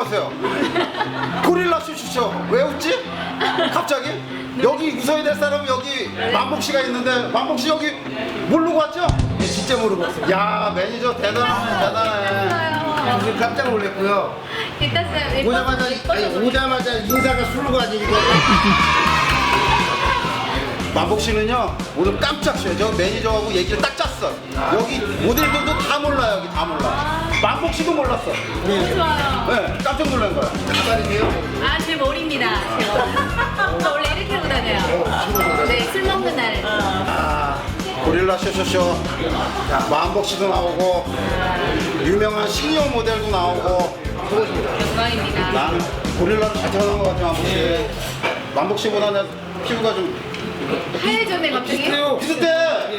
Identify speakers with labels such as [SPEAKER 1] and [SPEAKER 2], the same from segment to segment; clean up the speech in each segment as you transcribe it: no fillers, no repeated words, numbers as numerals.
[SPEAKER 1] 마세요. 고릴라 쇼쇼쇼. 왜 웃지? 갑자기? 여기 웃어야 될 사람은 여기 만복 씨가 있는데 만복 씨 여기 모르고 왔죠?
[SPEAKER 2] 네, 진짜 모르고 왔어요.
[SPEAKER 1] 야 매니저 대단해.
[SPEAKER 2] 무슨 깜짝 놀랐고요.
[SPEAKER 3] 일단
[SPEAKER 2] 오자마자 인사가 술로가 아니니까.
[SPEAKER 1] 만복 씨는요 오늘 깜짝 쉬어요. 저 매니저하고 얘기를 딱 짰어. 여기 모델들도 다 몰라요. 여기 다 몰라. 만복 씨도 몰랐어.
[SPEAKER 3] 너무 좋아요.
[SPEAKER 1] 네, 깜짝 놀란 거야.
[SPEAKER 2] 가발이세요?
[SPEAKER 3] 아, 제 머리입니다. 제 머리. 저 원래 이렇게 하고 다녀요. 네, 술 먹는 날.
[SPEAKER 1] 아, 고릴라 쇼쇼쇼. 만복 씨도 나오고 유명한 시니어 모델도 나오고.
[SPEAKER 3] 영광입니다.
[SPEAKER 1] 난 고릴라를 잘 태어난 것 같아 만복 씨. 만복 씨보다 내 피부가 좀
[SPEAKER 3] 하얘졌네, 갑자기.
[SPEAKER 1] 비슷해.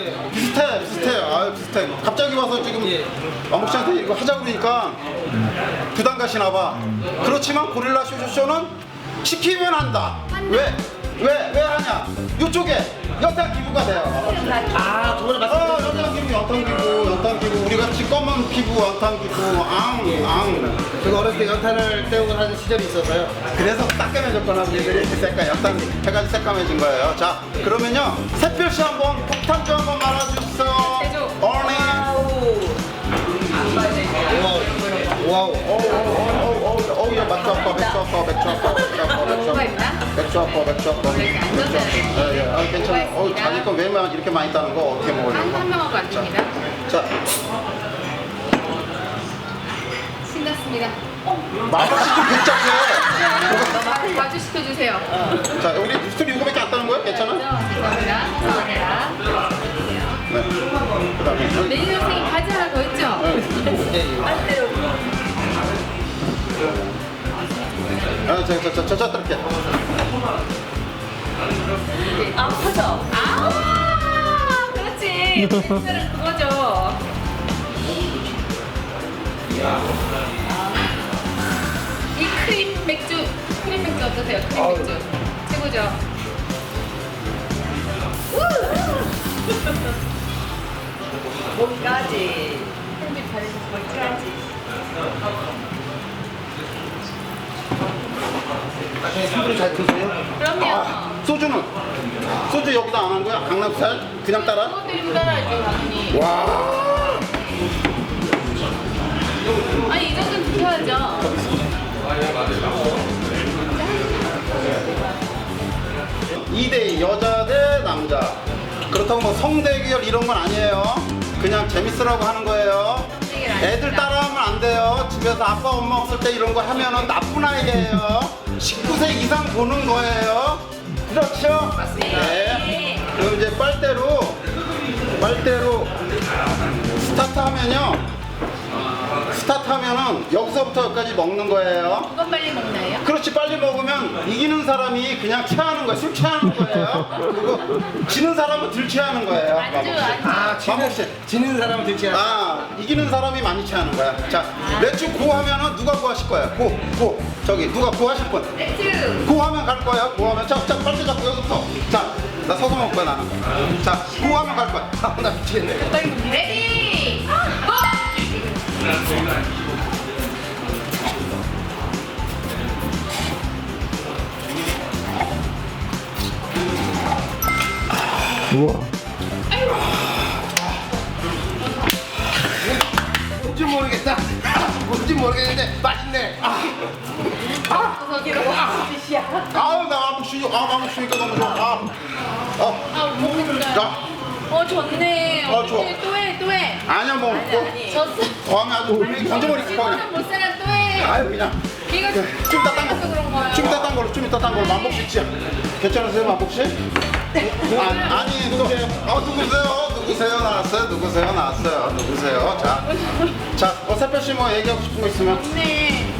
[SPEAKER 1] 아유 비슷해. 갑자기 와서 지금 만복 씨한테 이거 하자 그러니까 부담 가시나 봐. 그렇지만 고릴라 쇼쇼쇼는 시키면 한다. 왜 하냐? 이쪽에 연탄 기부가 돼요.
[SPEAKER 2] 아, 저번에 말씀드렸죠.
[SPEAKER 1] 연탄 기부. 우리 같이 검은 피부 연탄 기부.
[SPEAKER 2] 제가 어렸을 때 연탄을 떼우고 하는 시절이 있어서요.
[SPEAKER 1] 그래서 새까매졌거나 우리들이 색깔 연탄 해가지고 새까매진 거예요. 자, 그러면요 샛별씨 한번 폭탄주 한번 말아주세요.
[SPEAKER 3] 제조.
[SPEAKER 1] 얼리.
[SPEAKER 2] 와우.
[SPEAKER 1] 어우, 야, 맥주 아빠.
[SPEAKER 3] 이렇게 앉았어요.
[SPEAKER 1] 예, 아, 괜찮아. 어우, 자기 거 왜 이렇게 많이 따는 거 어떻게 먹으려고?
[SPEAKER 3] 한 명하고 안 됩니다.
[SPEAKER 1] 자,
[SPEAKER 3] 신났습니다.
[SPEAKER 1] 맛이 좀 괜찮게.
[SPEAKER 3] 마주 시켜주세요.
[SPEAKER 1] 자, 우리 술 이거밖에 안 따는 거예요? 괜찮아?
[SPEAKER 3] 죄송합니다. 죄송합니다.
[SPEAKER 1] 네. 그다음에
[SPEAKER 3] 매니저 선생님 바지 하나 더 있죠?
[SPEAKER 1] 저 뜰게.
[SPEAKER 3] 아, 커져. 아, 그렇지. 매니저는 그거죠. 이 크림 맥주 어떠세요? 크림 맥주. 최고죠?
[SPEAKER 4] 몸까지
[SPEAKER 3] 편집 잘해주셔서
[SPEAKER 4] 몸까지
[SPEAKER 2] 나중에 술을 잘 드세요?
[SPEAKER 3] 그럼요.
[SPEAKER 1] 소주는? 소주 여기다 안 한 거야? 강남스타일? 그냥 따라?
[SPEAKER 3] 그것들이 따라야죠, 당연히.
[SPEAKER 1] 와.
[SPEAKER 3] 아니, 이 정도는 지켜야죠.
[SPEAKER 1] 2대 여자 대 남자. 그렇다고 뭐 성대결 이런 건 아니에요. 그냥 재밌으라고 하는 거예요. 애들 따라하면 안 돼요. 집에서 아빠 엄마 없을 때 이런 거 하면은 나쁜 아이예요. 19세 이상 보는 거예요. 그렇죠?
[SPEAKER 3] 맞습니다.
[SPEAKER 1] 네. 그럼 이제 빨대로 스타트하면은 여기서부터 여기까지 먹는 거예요.
[SPEAKER 3] 그건 빨리 먹나요?
[SPEAKER 1] 그렇지, 빨리 먹으면 이기는 사람이 그냥 취하는 거예요. 술 취하는 거예요. 그리고 지는 사람은 들 취하는 거예요.
[SPEAKER 3] 안주.
[SPEAKER 1] 만복 씨.
[SPEAKER 2] 지는 사람은 들지 않아.
[SPEAKER 1] 아, 이기는 사람이 많이 취하는 거야. 자, 맥주 고하면은 누가 고하실 거예요? 고. 저기 누가 고하실 분?
[SPEAKER 3] 맥주.
[SPEAKER 1] 고하면 갈 거예요. 고하면 자, 빨리 잡고 여기부터. 자, 나 서서 먹을 거야 나는. 자, 고하면 갈 거야.
[SPEAKER 2] 아, 나 미치겠네.
[SPEAKER 3] 레디. 고!
[SPEAKER 2] 뭔지 모르겠다. 뭔지 모르겠는데 맛있네.
[SPEAKER 1] 아우, 나 만복 쉬니까 너무 좋아.
[SPEAKER 3] 먹겠어요.
[SPEAKER 1] 자,
[SPEAKER 3] 졌네.
[SPEAKER 1] 좋아.
[SPEAKER 3] 또 해.
[SPEAKER 1] 아니야 뭐.
[SPEAKER 3] 졌어.
[SPEAKER 1] 더하면 아주 건져버릴 거야.
[SPEAKER 3] 이거는 못 살아, 또 해.
[SPEAKER 1] 아유 그냥.
[SPEAKER 3] 이거
[SPEAKER 1] 좀 이따 딴
[SPEAKER 3] 그래서 그런 거예요.
[SPEAKER 1] 거. 좀 이따 딴 걸로. 만복 씨 진짜. 괜찮으세요, 만복 씨? 아니, 누구세요? 나왔어요. 자, 새별 씨 뭐 얘기하고 싶은 거 있으면.
[SPEAKER 3] 네.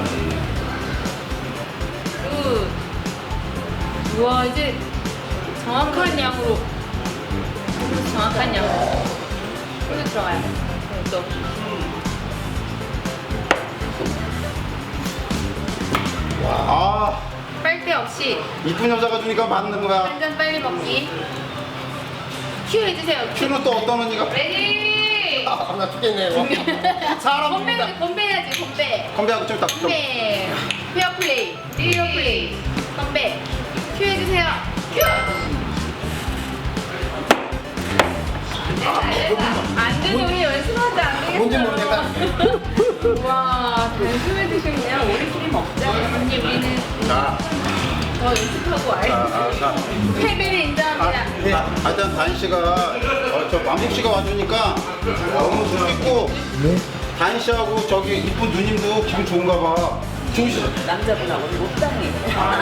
[SPEAKER 3] 우와, 이제 정확한 양으로. 이거 들어가요. 또.
[SPEAKER 1] 아,
[SPEAKER 3] 빨대 없이
[SPEAKER 1] 이쁜 여자가 주니까 맞는 거야.
[SPEAKER 3] 한 잔 빨리 먹기. 큐 해주세요.
[SPEAKER 1] 큐는 또 어떤 언니가?
[SPEAKER 3] 레디.
[SPEAKER 2] 나 죽겠네. 뭐. 사람 죽는다.
[SPEAKER 3] 건배해야지, 건배.
[SPEAKER 1] 건배하고 좀 이따 좀.
[SPEAKER 3] 건배. 페어 플레이, 리얼 플레이. 건배. 큐 해주세요. 큐! 안 되죠, 우리 연습하자, 안 되겠어.
[SPEAKER 2] 뭔지 모르겠다.
[SPEAKER 3] 와, 단숨에 드시네요. 우리끼리 먹자. 언니, 우리는
[SPEAKER 1] 자,
[SPEAKER 3] 더 연습하고 알지.
[SPEAKER 1] 자.
[SPEAKER 3] 패배를 인정합니다.
[SPEAKER 1] 하여튼 다인 씨가 저 만복 씨가 와주니까 너무 좋겠고 다인 씨하고 저기 이쁜 누님도 기분 좋은가 봐. 좋으시죠?
[SPEAKER 4] 남자분하고 못당해.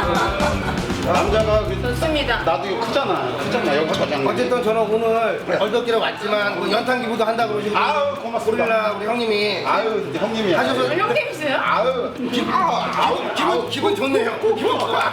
[SPEAKER 1] 남자가
[SPEAKER 3] 좋습니다.
[SPEAKER 1] 나도 이거 크잖아 여기 저장.
[SPEAKER 2] 어쨌든 저는 오늘 얼덕기로 왔지만 그 연탄 기부도 한다 그러시고
[SPEAKER 1] 아유 고맙습니다.
[SPEAKER 2] 고릴라 우리 형님이
[SPEAKER 1] 아유 형님이야.
[SPEAKER 2] 하셔서
[SPEAKER 3] 형님이세요?
[SPEAKER 1] 아유
[SPEAKER 2] 기분 좋네요. 기분 좋아.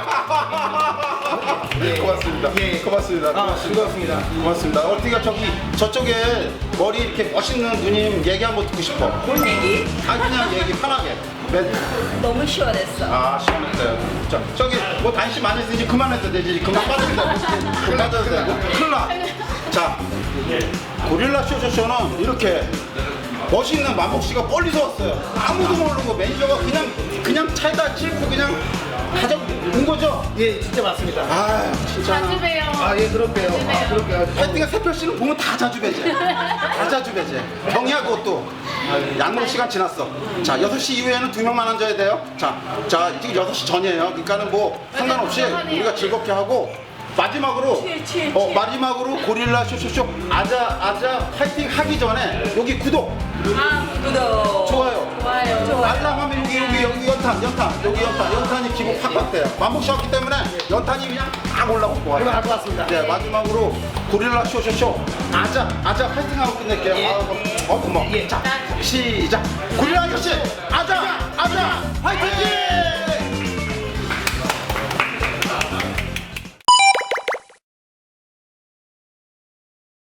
[SPEAKER 1] 고맙습니다.
[SPEAKER 2] 예.
[SPEAKER 1] 고맙습니다.
[SPEAKER 2] 즐거웠습니다.
[SPEAKER 1] 고맙습니다. 어떻게 저쪽에 머리 이렇게 멋있는 누님 얘기 한번 듣고 싶어.
[SPEAKER 4] 뭔 얘기?
[SPEAKER 1] 아 그냥 얘기 편하게.
[SPEAKER 4] 너무 시원했어.
[SPEAKER 1] 아 시원했어요. 자 저기 뭐 단시 많이 했으니 그만해도 되지. 그만 빠져도 되고 그만 빠져도 되고 큰일 나. 자 고릴라 쇼쇼쇼는 이렇게 멋있는 만복 씨가 멀리서 왔어요. 아무도 모르고 매니저가 그냥 차에다 싣고 그냥 가져온 거죠.
[SPEAKER 2] 예, 진짜 맞습니다.
[SPEAKER 1] 아 진짜.
[SPEAKER 3] 자주 봬요.
[SPEAKER 2] 아, 예, 그럴게요. 아, 그럴게요.
[SPEAKER 1] 하여튼 새별 씨는 보면 다 자주배제. 다 자주배제. 경희하고 또 양목 시간 지났어. 자 6시 이후에는 2명만 앉아야 돼요. 자 지금 6시 전이에요. 그러니까는 뭐 상관없이 우리가 즐겁게 하고 마지막으로 마지막으로 고릴라 쇼쇼쇼 아자 파이팅 하기 전에 여기 구독
[SPEAKER 4] 구독.
[SPEAKER 1] 좋아요.
[SPEAKER 3] 좋아요.
[SPEAKER 1] 알람하면 여기 연탄이 기분 확 왔대요. 만복 씨 왔기 때문에 연탄이 그냥 딱 올라오고
[SPEAKER 2] 그러면
[SPEAKER 1] 와요.
[SPEAKER 2] 알것 같습니다.
[SPEAKER 1] 네 마지막으로 고릴라 쇼쇼쇼 아자 파이팅하고 끝낼게요.
[SPEAKER 2] 예.
[SPEAKER 1] 고마워. 자 시작. 고릴라 아저씨